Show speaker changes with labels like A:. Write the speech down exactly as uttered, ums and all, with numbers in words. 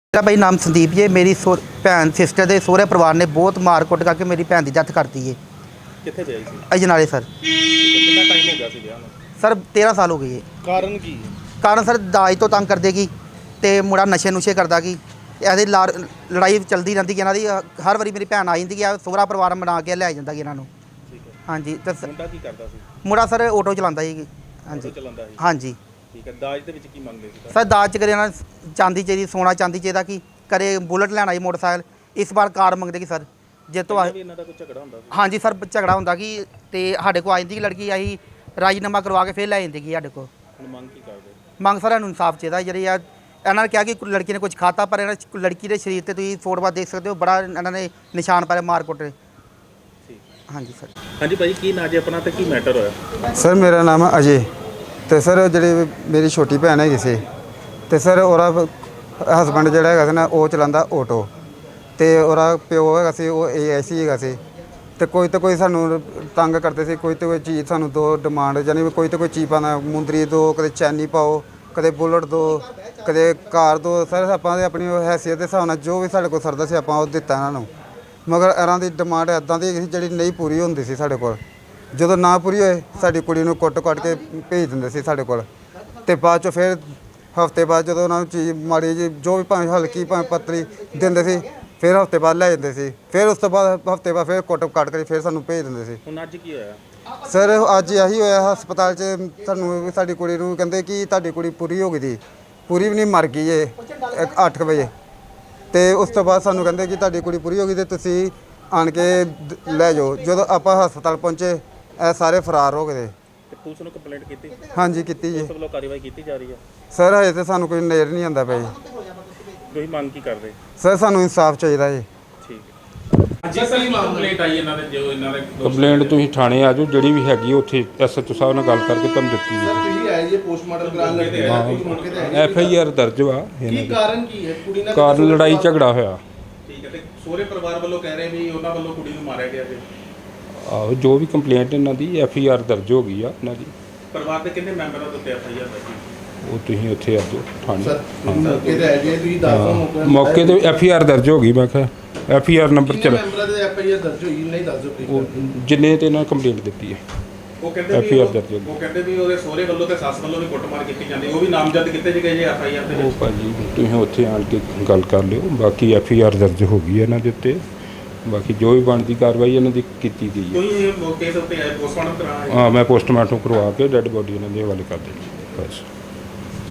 A: मेरा भाई नाम संदीप जी। मेरी सो भैन सिस्टर के सोहरे परिवार ने बहुत मार कुट करके मेरी भैन की डेथ करती है।
B: कितने गए सी?
A: अजनाले सर।
B: कितना टाइम हो गया सी विआह ਨੂੰ?
A: सर तेरह साल हो गई है।
B: ਕਾਰਨ ਕੀ ਹੈ?
A: कारण सर दाज तो तंग कर देगी तो मुड़ा नशे नुशे करता कि ऐसी लार लड़ाई चलती रहती कि इन्हों की हर बारी मेरी भैन आ जाती कि सोहरा परिवार बना के लै जाता कि इन्हों।
B: ਠੀਕ ਹੈ।
A: हाँ जी तो
B: ਮੁੰਡਾ ਕੀ ਕਰਦਾ ਸੀ?
A: मुड़ा सर ऑटो चलाता जी। हाँ जी
B: ਚਲਾਉਂਦਾ ਸੀ।
A: हाँ जी
B: ਠੀਕ ਹੈ। ਦਾਜ ਦੇ ਵਿੱਚ ਕੀ ਮੰਗਦੇ ਸੀ?
A: सर दाज च करे ना चांदी चाहिए, सोना चांदी चाहिए कि करे बुलेट लैना जी मोटरसाइकिल। इस बार कार मंगते कि सर जे तो
B: ਪਹਿਲਾਂ ਵੀ ਇਹਨਾਂ ਦਾ ਕੋਈ ਝਗੜਾ ਹੁੰਦਾ ਸੀ?
A: हाँ जी सर झगड़ा होंगे कि तो साढ़े को आ जाती कि लड़की अं राजीनामा करवा के फिर लै जाती कि साढ़े को।
B: ਹੁਣ ਮੰਗ ਕੀ ਕਰਦੇ?
A: ਮੰਗ ਸਰ ਨੂੰ ਇਨਸਾਫ ਚਾਹੀਦਾ। ਜਿਹੜੀ ਆ ਇਹਨਾਂ ਨੇ ਕਿਹਾ ਕਿ ਲੜਕੀ ਨੇ ਕੁਝ ਖਾਤਾ ਪਰ ਇਹਨਾਂ ਲੜਕੀ ਦੇ ਸਰੀਰ ਤੇ ਤੁਸੀਂ ਫੋਟੋਆਂ ਦੇਖ ਸਕਦੇ ਹੋ, ਬੜਾ ਇਹਨਾਂ ਨੇ ਨਿਸ਼ਾਨ ਪਾਏ ਮਾਰ ਕੁੱਟ।
B: ਠੀਕ।
A: ਹਾਂਜੀ ਸਰ।
B: ਹਾਂਜੀ ਭਾਈ, ਕੀ ਨਾਂ ਜੀ ਆਪਣਾ ਤੇ ਕੀ ਮੈਟਰ ਹੋਇਆ?
C: ਸਰ ਮੇਰਾ ਨਾਮ ਹੈ ਅਜੇ ਤੇ ਸਰ ਜਿਹੜੀ ਮੇਰੀ ਛੋਟੀ ਭੈਣ ਹੈਗੀ ਸੀ ਤੇ ਸਰ ਉਹਦਾ ਹਸਬੰਡ ਜਿਹੜਾ ਹੈਗਾ ਸੀ ਨਾ ਉਹ ਚਲਾਉਂਦਾ ਆਟੋ ਤੇ ਉਹਦਾ ਪਿਓ ਹੈਗਾ ਸੀ ਉਹ ਏ ਐਸ ਸੀ ਹੈਗਾ ਸੀ ਤੇ ਕੋਈ ਤਾਂ ਕੋਈ ਸਾਨੂੰ ਤੰਗ ਕਰਦੇ ਸੀ। ਕੋਈ ਤਾਂ ਕੋਈ ਚੀਜ਼ ਸਾਨੂੰ ਦੋ ਡਿਮਾਂਡ ਯਾਨੀ ਕੋਈ ਤਾਂ ਕੋਈ ਚੀਜ਼ ਪਾਣਾ, ਮੁੰਦਰੀ ਦੋ, ਕਦੇ ਚੈਨੀ ਪਾਓ, ਕਦੇ ਬੁਲਟ ਦੋ, ਕਦੇ ਕਾਰ ਦੋ। ਸਰ ਆਪਾਂ ਦੇ ਆਪਣੀ ਹੈਸੀਅਤ ਦੇ ਹਿਸਾਬ ਨਾਲ ਜੋ ਵੀ ਸਾਡੇ ਕੋਲ ਸਰਦਾ ਸੀ ਆਪਾਂ ਉਹ ਦਿੱਤਾ ਇਹਨਾਂ ਨੂੰ। ਮਗਰ ਇਹਨਾਂ ਦੀ ਡਿਮਾਂਡ ਇੱਦਾਂ ਦੀ ਹੈਗੀ ਸੀ ਜਿਹੜੀ ਨਹੀਂ ਪੂਰੀ ਹੁੰਦੀ ਸੀ ਸਾਡੇ ਕੋਲ। ਜਦੋਂ ਨਾ ਪੂਰੀ ਹੋਏ ਸਾਡੀ ਕੁੜੀ ਨੂੰ ਕੁੱਟ ਕੱਟ ਕੇ ਭੇਜ ਦਿੰਦੇ ਸੀ ਸਾਡੇ ਕੋਲ ਅਤੇ ਬਾਅਦ 'ਚੋਂ ਫਿਰ ਹਫ਼ਤੇ ਬਾਅਦ ਜਦੋਂ ਉਹਨਾਂ ਨੂੰ ਚੀਜ਼ ਮਾੜੀ ਜੀ ਜੋ ਵੀ ਭਾਵੇਂ ਹਲਕੀ ਭਾਵੇਂ ਪਤਲੀ ਦਿੰਦੇ ਸੀ ਫਿਰ ਹਫ਼ਤੇ ਬਾਅਦ ਲੈ ਜਾਂਦੇ ਸੀ। ਫਿਰ ਉਸ ਤੋਂ ਬਾਅਦ ਹਫ਼ਤੇ ਬਾਅਦ ਫਿਰ ਕੁੱਟ ਕੱਟ ਕੇ ਫਿਰ ਸਾਨੂੰ ਭੇਜ ਦਿੰਦੇ ਸੀ।
B: ਹੁਣ ਅੱਜ ਕੀ ਹੋਇਆ?
C: ਸਰ ਅੱਜ ਇਹੀ ਹੋਇਆ ਹਸਪਤਾਲ 'ਚ ਸਾਨੂੰ ਸਾਡੀ ਕੁੜੀ ਨੂੰ ਕਹਿੰਦੇ ਕਿ ਤੁਹਾਡੀ ਕੁੜੀ ਪੂਰੀ ਹੋ ਗਈ ਸੀ, ਪੂਰੀ ਵੀ ਨਹੀਂ ਮਰ ਗਈ ਏ ਅੱਠ ਕੁ ਵਜੇ। ਅਤੇ ਉਸ ਤੋਂ ਬਾਅਦ ਸਾਨੂੰ ਕਹਿੰਦੇ ਕਿ ਤੁਹਾਡੀ ਕੁੜੀ ਪੂਰੀ ਹੋ ਗਈ ਅਤੇ ਤੁਸੀਂ ਆਣ ਕੇ ਦ- ਲੈ ਜਾਓ। ਜਦੋਂ ਆਪਾਂ ਹਸਪਤਾਲ ਪਹੁੰਚੇ ਇਹ ਸਾਰੇ ਫਰਾਰ ਹੋ ਗਏ।
B: ਤੇ ਪੁਲਿਸ ਨੂੰ ਕੰਪਲੇਂਟ ਕੀਤੀ?
C: ਹਾਂਜੀ ਕੀਤੀ ਜੀ।
B: ਉਸ ਵੱਲੋਂ ਕਾਰਵਾਈ ਕੀਤੀ ਜਾ ਰਹੀ ਹੈ?
C: ਸਰ ਹਜੇ ਤਾਂ ਸਾਨੂੰ ਕੋਈ ਨਜ਼ਰ ਨਹੀਂ ਆਉਂਦਾ ਪਿਆ ਜੀ।
B: ਤੁਸੀਂ ਮੰਗ ਕੀ ਕਰਦੇ?
C: ਸਰ ਸਾਨੂੰ ਇਨਸਾਫ ਚਾਹੀਦਾ ਜੀ।
B: ਠੀਕ ਹੈ। ਅੱਜ ਸਰ ਕੰਪਲੇਂਟ ਆਈ ਇਹਨਾਂ ਦੇ ਜੋ ਇਹਨਾਂ ਦੇ
D: ਕੰਪਲੇਂਟ ਤੁਸੀਂ ਥਾਣੇ ਆ ਜਾਓ, ਜਿਹੜੀ ਵੀ ਹੈਗੀ ਉੱਥੇ ਐਸ ਐਚ ਓ ਸਾਹਿਬ ਨਾਲ ਗੱਲ ਕਰਕੇ ਤੁਹਾਨੂੰ ਦਿੱਤੀ
E: ਸਰ
D: ਹੈ।
E: ਤੁਸੀਂ ਆਏ ਜੇ ਪੋਸਟਮਾਰਟਮ ਕਰਾਉਣ ਲੱਗੇ ਆ ਕੁਝ ਮੌਕੇ ਤੇ
D: ਐਫ ਆਈ ਆਰ ਦਰਜ ਵਾ
E: ਕੀ
D: ਇਹਨਾਂ ਦੀ।
E: ਕਾਰਨ ਕੀ ਹੈ? ਕੁੜੀ ਨਾਲ
D: ਕਾਰਨ ਲੜਾਈ ਝਗੜਾ ਹੋਇਆ।
B: ਠੀਕ ਹੈ। ਤੇ ਸਹੁਰੇ ਪਰਿਵਾਰ ਵੱਲੋਂ ਕਹਿ ਰਹੇ ਵੀ ਉਹਨਾਂ ਵੱਲੋਂ ਕੁੜੀ ਨੂੰ ਮਾਰਿਆ ਗਿਆ ਜੀ।
D: ਆਹੋ ਜੋ ਵੀ ਕੰਪਲੇਂਟ ਇਹਨਾਂ ਦੀ ਐਫ ਆਈ ਆਰ ਦਰਜ ਹੋ ਗਈ ਆ ਇਹਨਾਂ ਦੀ।
B: ਪਰਿਵਾਰ ਦੇ ਕਿੰਨੇ ਮੈਂਬਰਾਂ ਦੇ ਉੱਤੇ ਐਫ ਆਈ ਆਰ ਦਰਜ?
D: ਉਹ ਤੁਸੀਂ ਉੱਥੇ ਆ ਜਾਓ ਥਾਣੇ।
E: ਸਰ ਮੌਕੇ ਤੇ ਆਏ ਜੇ ਤੁਸੀਂ ਦੱਸੋ
D: ਹਾਂ, ਮੌਕੇ ਤੇ ਐਫ ਆਈ ਆਰ ਦਰਜ ਹੋ ਗਈ। ਮੈਂ ਕਿਹਾ ਐਫ ਆਈ ਆਰ ਨੰਬਰ
E: ਕਿੰਨੇ
D: ਚੱਲ
E: ਮੈਂਬਰਾਂ ਦੇ ਐਫ ਆਈ ਆਰ ਦਰਜ ਹੋਈ ਨਹੀਂ ਦੱਸ ਦਿਓ
D: ਉਹ
E: ਪਲੀਜ਼।
D: ਜਿੰਨੇ ਤੇ ਇਹਨਾਂ ਕੰਪਲੇਂਟ ਦਿੱਤੀ ਹੈ।
B: ਉਹ ਕਹਿੰਦੇ
D: ਐਫ ਆਈ
B: ਵੀ
D: ਆਰ
B: ਉਹ
D: ਦਰਜ ਹੋ ਗਈ।
B: ਉਹ ਕਹਿੰਦੇ ਵੀ ਉਹਦੇ ਸਹੁਰੇ ਵੱਲੋਂ ਤੇ ਸੱਸ ਵੱਲੋਂ ਵੀ ਕੁੱਟਮਾਰ ਕੀਤੀ ਜਾਂਦੀ, ਉਹ ਵੀ ਨਾਮਜ਼ਦ ਕੀਤੇ ਜੀ ਗਏ ਜੀ ਐਫ ਆਈ ਆਰ ਦੇ
D: ਉਹ
B: ਵਿੱਚ।
D: ਭਾਜੀ ਤੁਸੀਂ ਉੱਥੇ ਆਣ ਕੇ ਗੱਲ ਕਰ ਲਿਓ। ਬਾਕੀ ਐਫ ਆਈ ਆਰ ਦਰਜ ਹੋ ਗਈ ਹੈ ਇਹਨਾਂ ਦੇ ਉੱਤੇ। ਬਾਕੀ ਜੋ ਵੀ ਬਣਦੀ ਕਾਰਵਾਈ ਇਹਨਾਂ ਦੀ ਕੀਤੀ ਗਈ ਹੈ।
B: ਤੁਸੀਂ ਮੌਕੇ ਦੇ ਉੱਤੇ ਆਏ ਪੋਸਟਮਾਰਟਮ ਕਰਾਉਣ ਆਏ?
D: ਹਾਂ, ਮੈਂ ਪੋਸਟਮਾਰਟਮ ਕਰਵਾ ਕੇ ਡੈੱਡ ਬੋਡੀ ਇਹਨਾਂ ਦੇ ਹਵਾਲੇ ਕਰ ਦਿੱਤੀ ਬਸ।